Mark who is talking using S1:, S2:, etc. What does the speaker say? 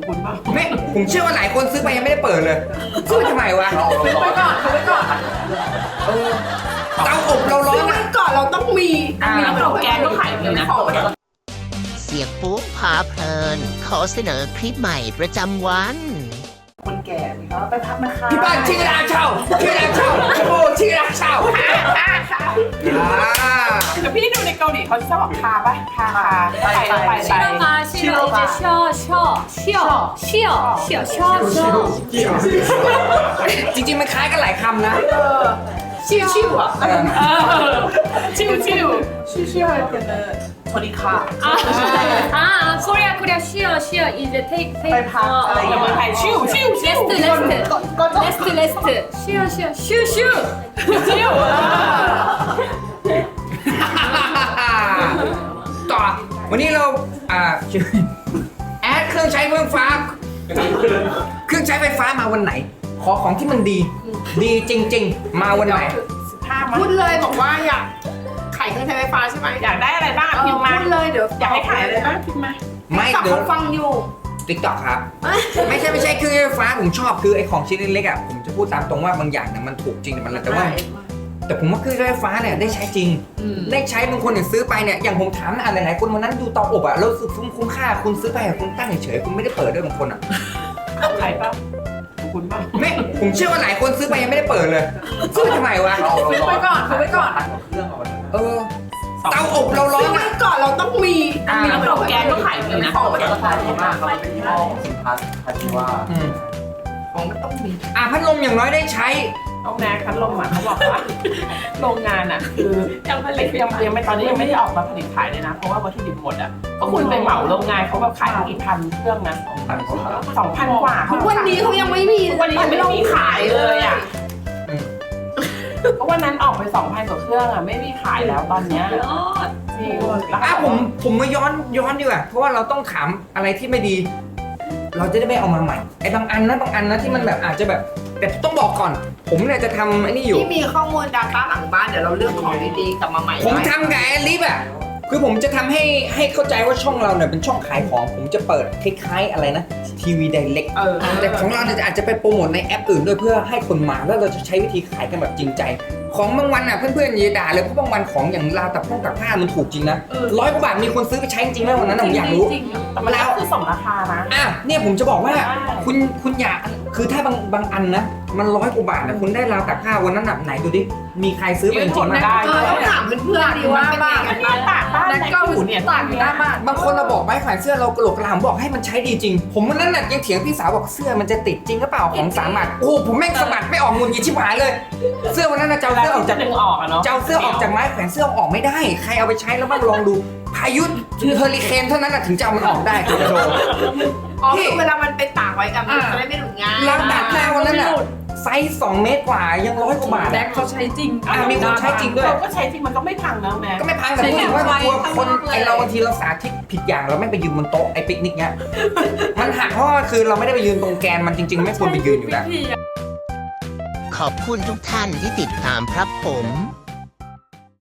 S1: คุณป่ะ
S2: ไม่ผมเชื่อว่าหลายคนซื้อไปยังไม่ได้เปิดเลยซื้อทำไมวะ
S1: ซื้อไว้ก่อนซื้อไว้ก่อน
S2: เตาอบเราร้อ
S1: ซื้อน ไว้ก่อนเราต้องมีของแกงก็ขายเลยนะของ
S3: เสียงปุ๊บพาเพลิน ขอเสนอคลิปใหม่ประจำวัน
S1: คนแก่นี่เขาไปพักนะคะ
S2: พี่บ้านชื่อร้านเช่าชื่อร้านเช่าชโมชื่อร้านเช่า
S1: แต่พี่ดูในเกาหลีเขาชอบทาป่ะทาไป
S4: 싫어가 이제 쉬어
S2: จริงๆมันคล้ายกันหลายคำนะ
S1: ชิวอ่ะชิว할 때는 저리 가
S4: 아 코리아 쉬어 이제 take
S1: ไปพักอะไรอย่างเงี้ยไทยชิว
S4: 레스트 쉬어
S2: ต่อวันนี้เราแอดเครื่องใช้ไฟฟ้าเครื่องใช้ไฟฟ้ามาวันไหน ขอของที่มันดีจริงๆมาวันไหน
S1: พูดเลยบอกว่าอยากขายเครื่องใช้ไฟฟ้าใช่ไหมอยากได้อะไรบ้างพิมพ์มาพูดเลยเดี๋ยวอยากให้ขายอะไรบ้างพิมพ์มา
S2: ไม่เดี๋ยว
S1: ฟังอยู่
S2: ติ๊กต็อกครับ ไม่ใช่เครื่องใช้ไฟฟ้าผมชอบคือไอ้ของชิ้นเล็กๆอ่ะผมจะพูดตามตรงว่าบางอย่างเนี่ยมันถูกจริงแต่ผมว่าเครื่องใช้ไฟฟ้าเนี่ยได้ใช้จริงได้ใช้บางคนเนี่ยซื้อไปเนี่ยอย่างผมถามนะหลายๆคนวันนั้นดูเตาอบอ่ะแล้วรู้สึกคุ้มค่าคุณซื้อไปคุณตั้งเฉยๆคุณไม่ได้เปิดด้วยบางคนอ่ะ
S1: ขายป่ะคุณป่ะ
S2: ไม่ผมเชื่อว่าหลายคนซื้อไปยังไม่ได้เปิดเลยซื้อทำไมวะ
S1: ซื้อไว้ก่อน
S2: เตาอบเราร้อ
S1: ซื้อน ไว้ก่อนเราต้องมีของแกงก็ขายเลยนะของมันราคาดีมากเขาเป็นยี่ห้อสินค้าที่ว่าของมันต้องมี
S2: พัดลมอย่างน้อยได้ใช้
S1: ต้องแนคัดลมอ่ะเขาบอกว่าโรงงานอ่ะคือยังไม่ตอนนี้ยังไม่ได้ออกมาผลิตขายเลยนะเพราะว่าวัตถุดิบหมดอ่ะก็คุณไปเหมาโรงงานเขาแบบขายกี่พันเครื่องนะ2,000 กว่าทุกวันนี้เขายังไม่มีวันนี้ยังไม่มีขายเลยอ่ะก็วันนั้นออกไป 2,000 กว่าเครื่องอ่ะไม่มีขายแล้วตอนเนี้ยจริง
S2: ผมมาย้อนดีกว่าเพราะว่าเราต้องถามอะไรที่ไม่ดี เราจะได้ไม่เอามาใหม่ไอ้บางอันนะที่มันแบบอาจจะแบบแต่ต้องบอกก่อน ผมเนี่ยจะทำไอ้นี่อยู่
S1: ที่มีข้อมูล Data หลังบ้านเดี๋ยวเราเลือกของดีๆกลับมาใหม่
S2: ผมทำกับแอลิฟอ่ะคือผมจะทำให้เข้าใจว่าช่องเราเนี่ยเป็นช่องขายของผมจะเปิดคล้ายๆอะไรนะทีวีไดเรกแต่ของเราเนี่ยอาจจะไปโปรโมทในแอปอื่นด้วยเพื่อให้คนมาแล้วเราจะใช้วิธีขายกันแบบจริงใจของบางวันอ่ะเพื่อนๆอย่าด่าเลยเพราะบางวันของอย่างราวตัดผ้ามันถูกจริงนะ100 กว่าบาทมีคนซื้อไปใช้จริงๆแล้ววันนั้นผมอยากรู้
S1: แต่มันแล้วคือ2 ราคานะ
S2: เนี่ยผมจะบอกว่าคุณอยากคือถ้าบางอันนะมัน100 กว่าบาทนะคุณได้ราวตัดผ้าวันนั้นไหนดูดิมีใครซื้อไปจริงๆได้
S1: ต้องถามเพื่อนๆดีว่าบ้านนั่นก็หูเนี่ยต่างกันได้มาก
S2: บางคนเราบอกไม้ขายเสื้อเรากระโหลกกระลาบอกให้มันใช้ดีจริงผมวันนั้นน่ะยังเถียงพี่สาวบอกเสื้อมันจะติดจริงหรือเปล่าของ3 บาทโอ้ผมแม่งสะบัดไม่ออกมุนยิชิบหายเลยเสื้อวันนั้นน่ะเจ้าเสื้อออกจากไม้แขวนเสื้อออกไม่ได้ใครเอาไปใช้แล้วบ้างลองดูพายุเฮอริเคนเท่านั้นน่ะถึงจะเอามันออกได้คุณจะโดน
S1: เวลามันไปตากไว้กับจะได้ไม่หลุดง่าย
S2: แล้วตัดหน้าวันนั้นน่ะไซส์2 เมตรกว่ายัง100 กว่าบาท
S1: แดกเขาใช้จริง
S2: มีคนใช้จริงด้วย
S1: ก็ใช้จริงมันก็ไม่พังนะแม่
S2: ก็ไม่พังแต่พูดถึงว่าตัวคนไอเราบางทีเราสาธิตผิดอย่างเราไม่ไปยืนบนโต๊ะไอปิกนิกเนี้ยมันหักเพราะว่าคือเราไม่ได้ไปยืนตรงแกนมันจริงๆไม่ควรไปยืนอยู่แล้ว
S3: ขอบคุณทุกท่านที่ติดตามครับผม